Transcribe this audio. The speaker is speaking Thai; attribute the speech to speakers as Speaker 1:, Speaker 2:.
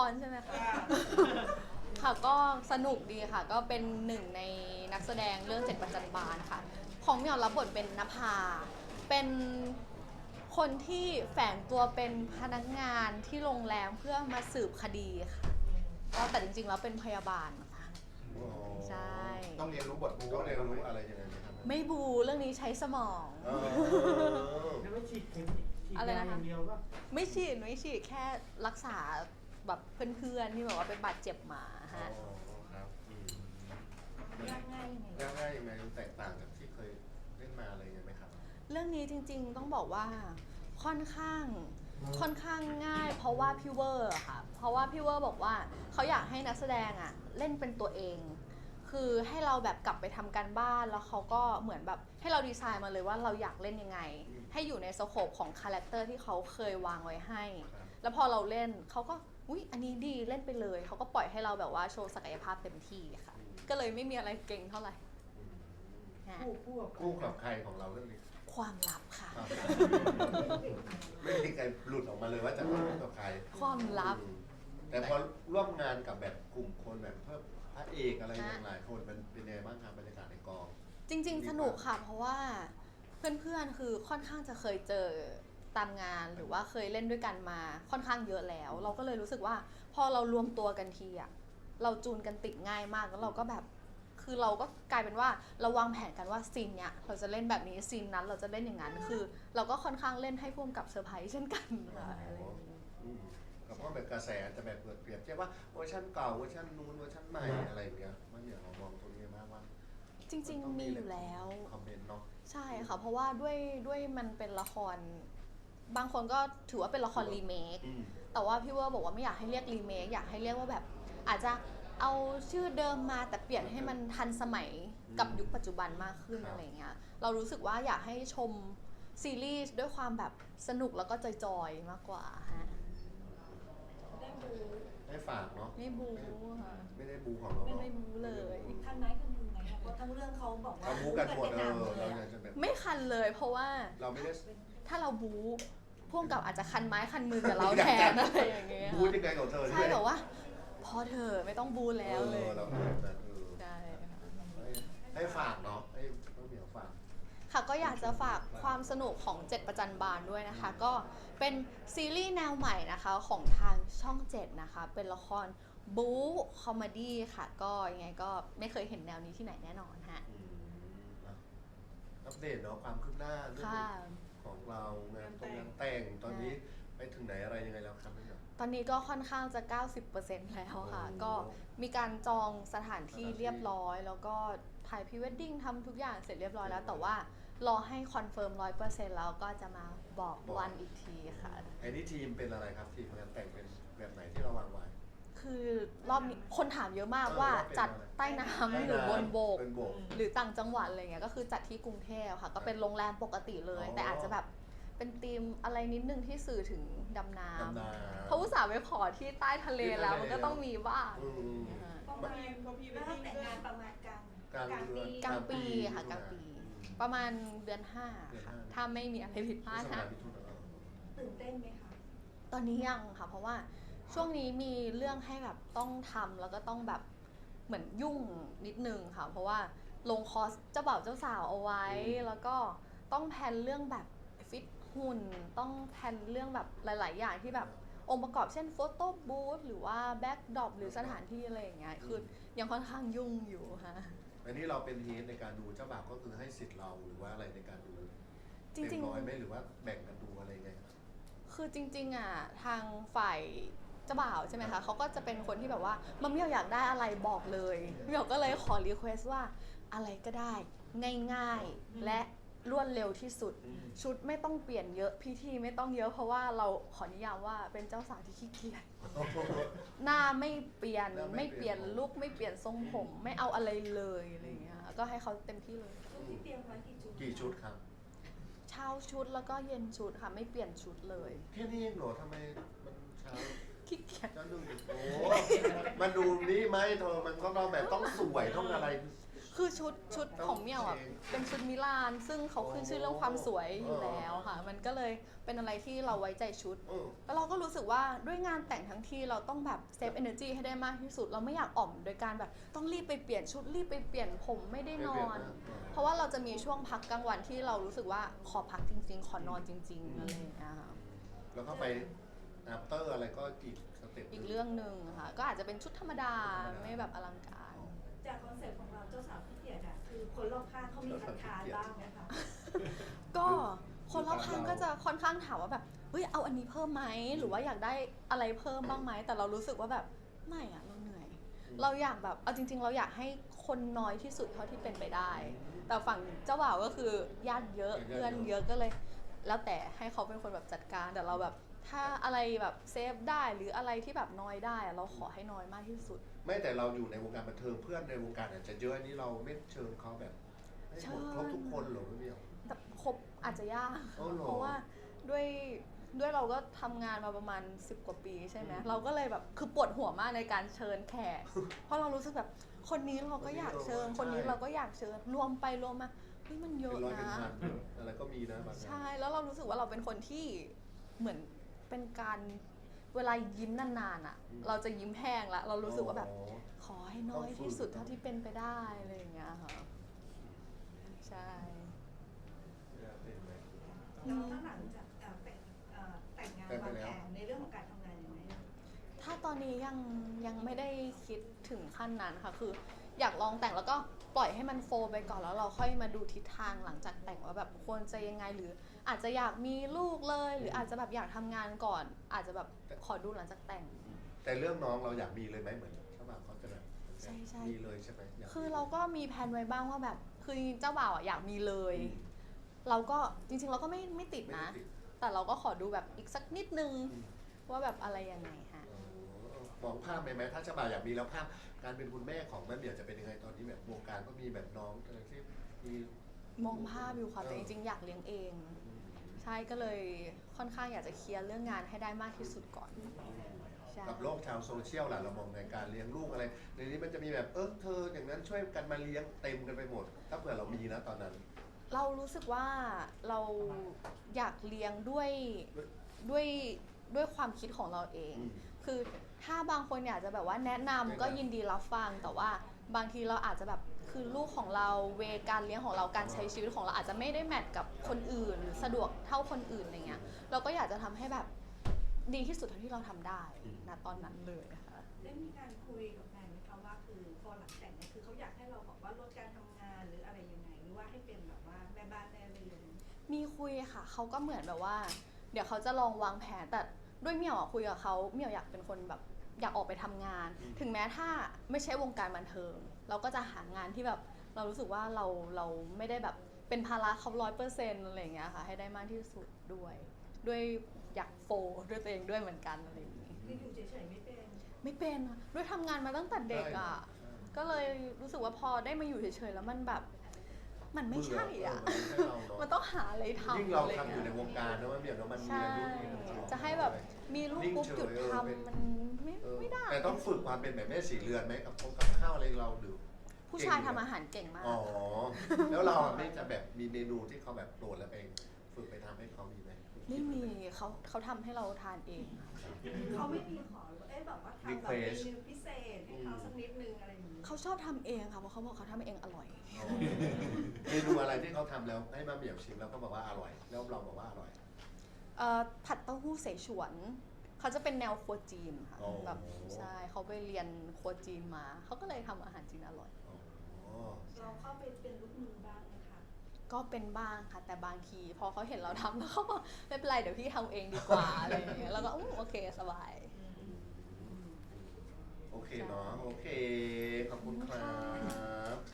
Speaker 1: รใช่ไหมคะค่ะก็สนุกดีค่ะก็เป็นหนึ่งในนักแสดงเรื่องเจ็ดประจันบานค่ะของเหมียวรับบทเป็นนภาเป็นคนที่แฝงตัวเป็นพนักงานที่โรงแรมเพื่อมาสืบคดีค่ะก็แต่จริงๆแล้วเป็นพยาบาลค่ะใช่
Speaker 2: ต้องเรียนรู้บทบู๊ต้องเรียนรู้อะไรยังไงไหมครับ
Speaker 1: ไม่บูเรื่องนี้ใช้สมอง
Speaker 3: แล้วไม่ฉีดเข็มฉีด
Speaker 1: อะไร
Speaker 3: ยา
Speaker 1: นะคะ
Speaker 3: อย่างเดียวก็
Speaker 1: ไม่ฉีดแค่รักษาแบบเพื่อนๆที่แบบว่าเป็นบาดเจ็บมาฮะ
Speaker 2: ครับ
Speaker 4: ยากง่ายยังไง
Speaker 2: ยากง่ายยังไงแตกต่างจากที่เคยเล่นมาอะไรยังไงไหมครับ
Speaker 1: เรื่องนี้จริงๆต้องบอกว่าค่อนข้างง่ายเพราะว่าพี่เวอร์อะค่ะเพราะว่าพี่เวอร์บอกว่าเขาอยากให้นักแสดงอะเล่นเป็นตัวเอง คือให้เราแบบกลับไปทำการบ้านแล้วเขาก็เหมือนแบบให้เราดีไซน์มาเลยว่าเราอยากเล่นยังไง ให้อยู่ในสโคปของคาแรคเตอร์ที่เขาเคยวางไว้ให้
Speaker 2: ครับ
Speaker 1: แล้วพอเราเล่นเขาก็อุ๊ยอันนี้ดีเล่นไปเลยเขาก็ปล่อยให้เราแบบว่าโชว์ศักยภาพเต็มที่ค่ะก็เลยไม่มีอะไรเก่งเท่าไหร่ฮะ
Speaker 2: คู่กับใครของเราเรื่องนี้
Speaker 1: ความลับค่ะ
Speaker 2: ครับไม่มีใครหลุดออกมาเลยว่าจะคู่กับใคร
Speaker 1: ความลับ
Speaker 2: แต่พอร่วมงานกับแบบกลุ่มคนแบบเพิ่มพระเอกอะไรอย่างหลายคนมันเป็นยังไงบ้างครับบรรยากาศในกอง
Speaker 1: จริงๆ สนุกค่ะ เพราะว่าเพื่อนๆ คือค่อนข้างจะเคยเจอตามงานหรือว่าเคยเล่นด้วยกันมาค่อนข้างเยอะแล้ว เราก็เลยรู้สึกว่าพอเรารวมตัวกันทีอะเราจูนกันติดง่ายมากแล้วเราก็แบบคือเราก็กลายเป็นว่าเราวางแผนกันว่าซีนเนี้ยเราจะเล่นแบบนี้ซีนนั้นเราจะเล่นอย่างนั้นคือ เราก็ค่อนข้างเล่นให้พ่วงกับเซอร์ไพรส์เช่นกันค่ะอะไรอย่างนี้
Speaker 2: กับว่าแบบกระแสจะแบบเปรียบเทียบว่าเวอร์ชันเก่าเวอร์ชันนู้นเวอร์ชันใหม่อะไรอย่างเงี้ยมันอย่างเรามองตรงนี้มากว่า
Speaker 1: จริงๆ มีอยู่แล้ว
Speaker 2: คอมเมนต์เนาะ
Speaker 1: ใช่ค่ะ เพราะว่าด้วยมันเป็นละคร บางคนก็ถือว่าเป็นละครรีเมค แต่ว่าพี่เวอร์บอกว่าไม่อยากให้เรียกรีเมค อยากให้เรียกว่าแบบ อาจจะเอาชื่อเดิมมาแต่เปลี่ยนให้มันทันสมัยกับยุคปัจจุบันมากขึ้นอะไรเงี้ย เรารู้สึกว่าอยากให้ชมซีรีส์ด้วยความแบบสนุกแล้วก็จอยๆมากกว่าฮะ
Speaker 4: ได้บู
Speaker 2: ให้ฝากเนาะ
Speaker 1: ไม่บูค่ะ
Speaker 2: ไม่ได้บูของเรา
Speaker 1: ไม่
Speaker 2: เนาะ
Speaker 1: ได้บูเลย
Speaker 4: คันไม้คันมือไหมคะเพราะทั้งเรื่องเขาบอกว่า
Speaker 2: เราบูกันหมด
Speaker 4: เป็นหนัง
Speaker 2: เรา
Speaker 4: เลย
Speaker 2: อยากจะแบบ
Speaker 1: ไม่คันเลยเพราะว่า
Speaker 2: เราไม่ได้
Speaker 1: ถ้าเราบูพ่วงกับอาจจะคันไม้คันมือกับเราแทนอะไรอย่างเงี้ย
Speaker 2: บูยังไงของเธอ
Speaker 1: ใช่แบบว่า พอเธอไม่ต้องบูแล้วเลย
Speaker 2: เราแบบนั้น
Speaker 1: ใช่ค่ะ
Speaker 2: ให้ฝากเนาะให้ต้องเหมียวฝาก
Speaker 1: ค่ะก็อยากจะฝากความสนุกของเจ็ดประจันบานด้วยนะคะ ก็เป็นซีรีส์แนวใหม่นะคะของทางช่อง 7 นะคะ เป็นละครบู๊คอมเมดี้ค่ะ ก็ยังไงก็ไม่เคยเห็นแนวนี้ที่ไหนแน่นอนฮะ
Speaker 2: อัปเดตเนาะความคืบหน้าเรื่อง
Speaker 1: ค่ะ
Speaker 2: ของเรางานแต่งตอนนี้ไปถึงไหนอะไรยังไงแล้วครับพี่เหมียว
Speaker 1: ตอนนี้ก็ค่อนข้างจะ 90% แล้วค่ะ
Speaker 2: โอ้
Speaker 1: ก็มีการจองสถานที่เรียบร้อย แล้วก็ถ่ายพรีเวดดิ้งทำทุกอย่างเสร็จเรียบร้อยแล้ว แต่ว่ารอให้คอนเฟิร์ม 100% แล้วก็จะมาบอกวันอีกทีค่ะ
Speaker 2: ไอ้นี่ทีมเป็นอะไรครับทีมงานแต่งเป็นแบบไหนที่เราวางไว้
Speaker 1: คือรอบนี้คนถามเยอะมากว่าจัดใต้น้ำหรือบนบก
Speaker 2: เป็นโบก
Speaker 1: หรือต่างจังหวัดอะไรเงี้ยก็คือจัดที่กรุงเทพค่ะ ก็เป็นโรงแรมปกติเลย
Speaker 2: อ๋อ
Speaker 1: แต่อาจจะแบบเป็นธีมอะไรนิดนึงที่สื่อถึงดำน้
Speaker 2: ดำน้ำ
Speaker 1: ำเพราะอุตส่าห์ไปขอที่ใต้ทะเลแล้วมันก็ต้องมีบ้าง
Speaker 2: อืม
Speaker 4: ประมาณถ้าแต่งงานประมาณกลาง
Speaker 2: กลางเดือน
Speaker 1: กลางปีค่ะกลางปี ประมาณเดือน 5 ค่ะ
Speaker 2: เดือนห้า
Speaker 1: ถ้าไม่มีอะไรผิดพลาด
Speaker 2: พฤษภ
Speaker 1: นะ
Speaker 2: มิถุนา
Speaker 4: ตื่นเต้นไหมคะ
Speaker 1: ตอนนี้ยังค่ะ เพราะว่าช่วงนี้มีเรื่องให้แบบต้องทำแล้วก็ต้องแบบเหมือนยุ่งนิดนึงค่ะ เพราะว่าลงคอร์สเจ้าบ่าวเจ้าสาวเอาไว้ แล้วก็ต้องแพลนเรื่องแบบฟิตหุ่น ต้องแพลนเรื่องแบบหลาย ๆ อย่างที่แบบองค์ประกอบเช่นโฟโต้บูธหรือว่าแบ็กดรอปหรือสถานที่อะไรอย่างเงี้ย คือยังค่อนข้างยุ่งอยู่ค่ะ
Speaker 2: อันนี้เราเป็นเฮดในการดูเจ้าบ่าวก็คือให้สิทธิ์เราหรือว่าอะไรในการดู
Speaker 1: จริงๆ
Speaker 2: เต็มร้อยไหมหรือว่าแบ่งกันดูอะไรไงครับ
Speaker 1: คือจริงๆอ่ะทางฝ่ายเจ้าบ่าวใช่ไหมคะเขาก็จะเป็นคนที่แบบว่ามัมมี่อยากได้อะไรบอกเลยพี่หยกก็เลยขอรีเควสว่าอะไรก็ได้ง่ายๆ และรวดเร็วที่สุด ชุดไม่ต้องเปลี่ยนเยอะพิธีไม่ต้องเยอะเพราะว่าเราขอนิยามว่าเป็นเจ้าสาวที่ขี้เกียจหน้าไม่เปลี่ยน
Speaker 2: หน้าไม่
Speaker 1: ไม่
Speaker 2: เป
Speaker 1: เป
Speaker 2: ลี่
Speaker 1: ลี่
Speaker 2: ย
Speaker 1: ย
Speaker 2: น
Speaker 1: นลุคไม่เปลี่ยนทรงผม ไม่เอาอะไรเลยอะไรอย่างเงี้ยก็ให้เขาเต็มที่เลย
Speaker 4: ชุดที่เตรียมไว้กี่ชุด
Speaker 2: กี่ชุดครับ
Speaker 1: เช้าชุดแล้วก็เย็นชุดค่ะไม่เปลี่ยนชุดเลย
Speaker 2: แค่นี้เองเหรอทำไมมันเช้า
Speaker 1: ขี้เกียจ
Speaker 2: เจ้าดูดิโอ้มันดูนี่ไหมเธอมันก็ต้องแบบต้องสวยต้องอะไร
Speaker 1: คือชุดของเมี่ยวอ่ะเป็นชุดมิลาน ซึ่งเขาขึ้นชื่อเรื่องความสวยอยู่แล้วค่ะ มันก็เลยเป็นอะไรที่เราไว้ใจชุด แล้วเราก็รู้สึกว่าด้วยงานแต่งทั้งทีเราต้องแบบเซฟ energy ให้ได้มากที่สุด เราไม่อยากอ่อมโดยการแบบต้องรีบไปเปลี่ยนชุดรีบไปเปลี่ยนผมไม่ได้นอน เพราะว่าเราจะมีช่วงพักกลางวันที่เรารู้สึกว่าขอพักจริงๆ ขอนอนจริงๆอะไรอย่างเงี้ยค่ะ
Speaker 2: แล้วก็ไป after อะไรก็อีกสเต็ป
Speaker 1: อีกเรื่องหนึ่งค่ะ ก็อาจจะเป็นชุดธรรมดาไม่แบบอลังการ
Speaker 4: จากคอนเซ็ปต์ของเราเจ้าสาวขี้เกียจอะคือคนรอบข้างเขามีคัดค้านบ้างไหมคะ
Speaker 1: ก็คนรอบข้างก็จะค่อนข้างถามว่าแบบเฮ้ยเอาอันนี้เพิ่มไหมหรือว่าอยากได้อะไรเพิ่มบ้างไหมแต่เรารู้สึกว่าแบบไม่อะเราเหนื่อย เราอยากแบบเอาจริง ๆ เราอยากให้คนน้อยที่สุดเท่าที่เป็นไปได้ แต่ฝั่งเจ้าบ่าวก็คือญาติเยอะเพื่อนเยอะก็เลย แล้วแต่ให้เขาเป็นคนแบบจัดการแต่เราแบบถ้าอะไรแบบเซฟได้หรืออะไรที่แบบน้อยได้อะเราขอให้น้อยมากที่สุด
Speaker 2: ไม่แต่เราอยู่ในวงการบันเทิงเพื่อนในวงการอาจจะเยอะอันนี้เราไม่เชิญเขาแบบให้หมดครบทุกคนเหรอพี่เมียว
Speaker 1: แต่ครบอาจจะยาก
Speaker 2: อ๋อเหรอ
Speaker 1: เพราะว่าด้วยเราก็ทำงานมาประมาณ10 กว่าปีใช่ไหมเราก็เลยแบบคือปวดหัวมากในการเชิญแขก เพราะเรารู้สึกแบบคนนี้เราก็อยากเชิญ คนนี้เราก็อยากเชิญรวมไปรวมมาเฮ้ยมันเย
Speaker 2: เป็
Speaker 1: อะ
Speaker 2: นร้อยเป็น
Speaker 1: นะ
Speaker 2: พันอะไรก็มีนะบางงาน
Speaker 1: ใช่แล้วเรารู้สึกว่าเราเป็นคนที่เหมือนเป็นการเวลายิ้มนานๆอ่ะ เราจะยิ้มแห้งละเรารู้สึกว่าแบบ
Speaker 2: อ๋อ
Speaker 1: ขอให้น้อยที่สุดเท่าที่เป็นไปได้อะไรอย่างเงี้ยค่ะใช่
Speaker 4: แล้วถ้าหลังจากแต่งงานวางแผนในเรื่องของการทำงานยังไง
Speaker 1: ถ้าตอนนี้ยังไม่ได้คิดถึงขั้นนั้นค่ะ คืออยากลองแต่งแล้วก็ปล่อยให้มันโฟลว์ไปก่อนแล้วเราค่อยมาดูทิศทางหลังจากแต่งว่าแบบควรจะยังไงหรืออาจจะอยากมีลูกเลย หรืออาจจะแบบอยากทำงานก่อน อาจจะแบบขอดูหลังจากแต่ง
Speaker 2: แต่เรื่องน้องเราอยากมีเลยไหมเหมือนเจ้าบ่าวเขาจะแบบ
Speaker 1: ใช่ใช่
Speaker 2: มีเลยใช่ไหมยกมี
Speaker 1: คือเราก็มีแผนไว้บ้างว่าแบบคือเจ้าบ่าวอะอยากมีเลย เราก็จริงๆเราก็ไม่ติด
Speaker 2: ไม่
Speaker 1: นะ
Speaker 2: ได้ติด
Speaker 1: แต่เราก็ขอดูแบบอีกสักนิดนึง
Speaker 2: อืม
Speaker 1: ว่าแบบอะไรยังไงฮะ
Speaker 2: มองภาพไหมถ้าเจ้าบ่าวอยากมีแล้วภาพการเป็นคุณแม่ของแม่เมียวจะเป็นยังไงตอนนี้แบบวงการก็มีแบบน้องอะไรที่มี
Speaker 1: มองภาพอยู่ค่ะแต่จริงๆอยากเลี้ยงเอง ใช่ก็เลยค่อนข้างอยากจะเคลียร์เรื่องงานให้ได้มากที่สุดก่อนใช่
Speaker 2: กับโลกชาวโซเชียลล่ะเรามองในการเลี้ยงลูกอะไรในนี้มันจะมีแบบเธออย่างนั้นช่วยกันมาเลี้ยงเต็มกันไปหมด ถ้าเผื่อเรามีนะตอนนั้น
Speaker 1: เรารู้สึกว่าเราอยากเลี้ยงด้วยความคิดของเราเอง
Speaker 2: อืม
Speaker 1: คือถ้าบางคนอยากจะแบบว่าแนะนำก็ยินดีรับฟัง แต่ว่าบางทีเราอาจจะแบบคือลูกของเราเวการเลี้ยงของเราการใช้ชีวิตของเราอาจจะไม่ได้แมทกับคนอื่นหรือสะดวกเท่าคนอื่นอะไรเงี้ยเราก็อยากจะทำให้แบบดีที่สุดเท่าที่เราทำได้ณตอนนั้นเลยค่ะ
Speaker 4: ได้มีการคุยกับแฟนไหมคะว่าคือพอหลังแต่งเนี่ยคือเขาอยากให้เราบอกว่าลดการทำงานหรืออะไรยังไงหรือว่าให้เป็นแบบว่าแม่บ้านแม่เรือน
Speaker 1: มีคุยค่ะเขาก็เหมือนแบบว่า เดี๋ยวเขาจะลองวางแผนแต่ด้วยเมี่ยวอะคุยกับเขาเมี่ยวอยากเป็นคนแบบอยากออกไปทำงาน ถึงแม้ถ้าไม่ใช่วงการบันเทิง เราก็จะหางานที่แบบเรารู้สึกว่าเราไม่ได้แบบเป็นภาระเขา100%อะไรอย่างเงี้ยค่ะให้ได้มากที่สุดด้วยอยากโฟด้วยตัวเองด้วยเหมือนกันอะไรอย่างงี้
Speaker 4: คืออยู่เฉยๆไม่เป็น
Speaker 1: ไม่เป็นอะด้วยทำงานมาตั้งแต่เด็กอ่ะก็เลยรู้สึกว่าพอได้มาอยู่เฉยๆแล้วมันแบบมันไม่ใช่อ่ะ
Speaker 2: เบื่อไม่ใช่เราเนอะ
Speaker 1: มันต้องหาอะไรทำ
Speaker 2: ยิ่งเรา
Speaker 1: อะไร
Speaker 2: ทำอยู่ใน
Speaker 1: เงี้
Speaker 2: วงการนะว่าเมียวนะมันมี
Speaker 1: ใช่
Speaker 2: อายุที่มัน
Speaker 1: จะให้แบบมีลูกปุ๊บหยุดทำมันไม่ได้
Speaker 2: แต่ต้องฝึกความเป็นแบบแม่สีเรือนไหมกับข้าวอะไรเราดู
Speaker 1: ผู้ชายทำอาหารเก่งมาก
Speaker 2: อ๋อ แล้วเราอะไม่จะแบบมีเมนูที่เขาแบบโปรดแล้วไปฝึกไปทำให้เขามีไหม
Speaker 1: ไม่มีเขาทำให้เราทานเองค่ะ
Speaker 4: เขาไม่มีขอแบบว่าทำแบบเมนูพิเศษให้เขาสักนิดนึงอะไรอย่างนี้
Speaker 1: เขาชอบทำเองค่ะเพราะเขาบอกเขาทำเองอร่อย
Speaker 2: อ๋อเมนูอะไรที่เขาทำแล้วให้มาเหมี่ยวชิมแล้วก็บอกว่าอร่อย แล้วเราบอกว่าอร่อย
Speaker 1: ผัดเต้าหู้เสฉวนเขาจะเป็นแนวครัวจีนค่ะ
Speaker 2: อ๋อ
Speaker 1: แบบใช่เขาไปเรียนครัวจีนมาเขาก็เลยทำอาหารจีนอร่อย
Speaker 2: อ๋อ
Speaker 4: เราเข้าไปเป็นลูกมือบ้างไหมคะ
Speaker 1: ก็เป็นบ้างค่ะแต่บางทีพอเขาเห็นเราทำแล้วเขาก็ไม่เป็นไรเดี๋ยวพี่ทำเองดีกว่าอะไรอย่างเงี้ยแล้วก็โอเคสบาย
Speaker 2: โอเคเนาะ โอเค ขอบคุณครับ